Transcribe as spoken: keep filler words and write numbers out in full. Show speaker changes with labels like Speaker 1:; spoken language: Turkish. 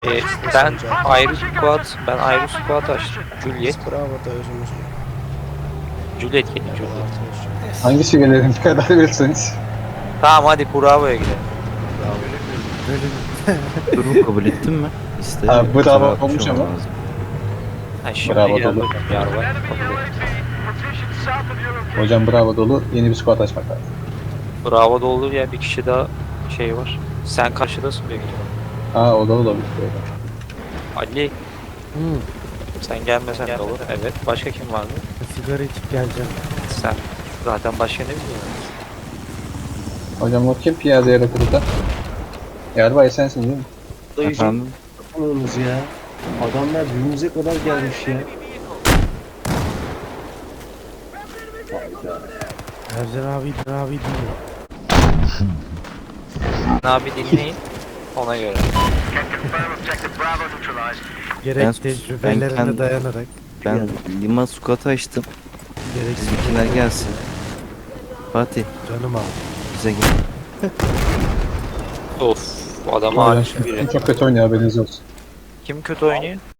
Speaker 1: Ee, ben ayrı squad, ben ayrı squad açtım. Juliet,
Speaker 2: Bravo da özümüz.
Speaker 1: Juliet gelin Juliet.
Speaker 3: Hangisi gelelim karar verirseniz.
Speaker 1: Tamam hadi Bravo'ya gidelim.
Speaker 4: Durumu kabul ettin mi? İşte
Speaker 3: Ha, bravo
Speaker 4: kusura bakmış
Speaker 3: olmuş
Speaker 4: olmam
Speaker 3: ama.
Speaker 4: lazım.
Speaker 1: Ha şimdi
Speaker 3: Bravo
Speaker 1: geldi
Speaker 3: dolu.
Speaker 1: hocam Yarbay. Kabul ettim.
Speaker 3: Hocam bravo dolu. Yeni bir squad açmak lazım.
Speaker 1: Bravo doldu ya bir kişi daha şey var. Sen karşıdasın büyük ihtimalle.
Speaker 3: Ha o da olabilir.
Speaker 1: Ali
Speaker 2: Hı.
Speaker 1: sen gelmesen de olur. Evet. Başka kim vardı?
Speaker 2: Sigara içip geleceğim.
Speaker 1: Sen. Zaten başka ne biliyorsun?
Speaker 3: Hocam o kim piyade yaratırdı? Yarbay sensin değil mi?
Speaker 4: Efendim?
Speaker 5: Yapamıyorsunuz ya. Adamlar birbirimize kadar gelmiş ya. Hayda.
Speaker 2: Ercan abi, abi değil.
Speaker 1: Abi dinleyin. Ona göre.
Speaker 2: Gerek
Speaker 4: Ben-
Speaker 2: tecrübelerine
Speaker 4: ben kend-
Speaker 2: dayanarak.
Speaker 4: Ben Lima squat'ı açtım.
Speaker 2: Gerek
Speaker 4: Bizimkiler gelsin. Fatih
Speaker 2: canım abi.
Speaker 4: bize gel.
Speaker 1: Of. Adama
Speaker 3: Hocam
Speaker 1: aşık biri.
Speaker 3: çok kötü oynuyor haberiniz olsun.
Speaker 1: Kim kötü oynuyor?